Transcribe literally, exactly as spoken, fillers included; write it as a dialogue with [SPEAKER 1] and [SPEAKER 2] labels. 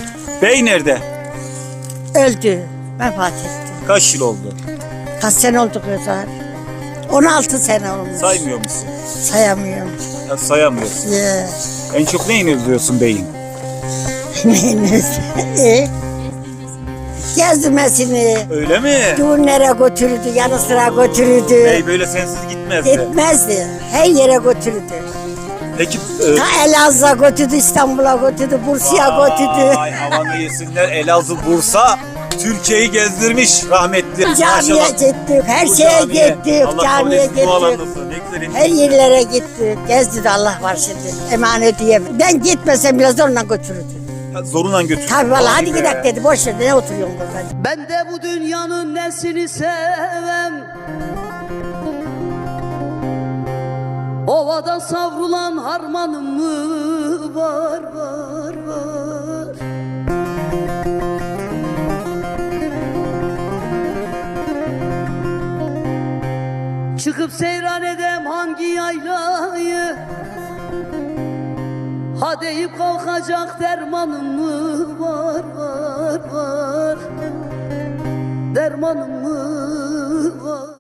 [SPEAKER 1] Bey nerede?
[SPEAKER 2] Öldü. Vefat etti.
[SPEAKER 1] Kaç yıl oldu?
[SPEAKER 2] Kaç sene oldu kızlar? on altı sene olmuş.
[SPEAKER 1] Saymıyor musun?
[SPEAKER 2] Sayamıyorum.
[SPEAKER 1] Ya sayamıyorsun.
[SPEAKER 2] Ya.
[SPEAKER 1] En çok neyini özlüyorsun beyin?
[SPEAKER 2] Neyiniz? E? Gezmesini,
[SPEAKER 1] Öyle mi?
[SPEAKER 2] düğünlere götürürdü, yanı sıra götürürdü.
[SPEAKER 1] Bey böyle sensiz gitmezdi.
[SPEAKER 2] Gitmezdi. Her yere götürürdü.
[SPEAKER 1] Peki e,
[SPEAKER 2] Ta Elazığ'a götürdü, İstanbul'a götürdü, Bursa'ya götürdü.
[SPEAKER 1] Ay havanı yesinler. Elazığ, Bursa Türkiye'yi gezdirmiş rahmetli.
[SPEAKER 2] Camiye
[SPEAKER 1] Maşallah.
[SPEAKER 2] gittik, her
[SPEAKER 1] Bu
[SPEAKER 2] şeye
[SPEAKER 1] camiye.
[SPEAKER 2] gittik,
[SPEAKER 1] Allah kabul
[SPEAKER 2] camiye
[SPEAKER 1] etsin,
[SPEAKER 2] gittik.
[SPEAKER 1] dualarınızı. Ne güzel
[SPEAKER 2] Her yerlere gittik, gezdi de Allah var şimdi. Emanet diyemem. Ben gitmesem bile zorla götürürdü.
[SPEAKER 1] Ya, zorundan götür.
[SPEAKER 2] Tabii vallahi
[SPEAKER 1] Vay
[SPEAKER 2] hadi
[SPEAKER 1] be.
[SPEAKER 2] gidelim dedi, boş ver ne oturuyorsun burada.
[SPEAKER 3] Ben de bu dünyanın nesini sevem, ovada savrulan harmanım mı var var var. Çıkıp seyran edem hangi yaylayı, ha deyip kalkacak dermanım mı var var var. Dermanım mı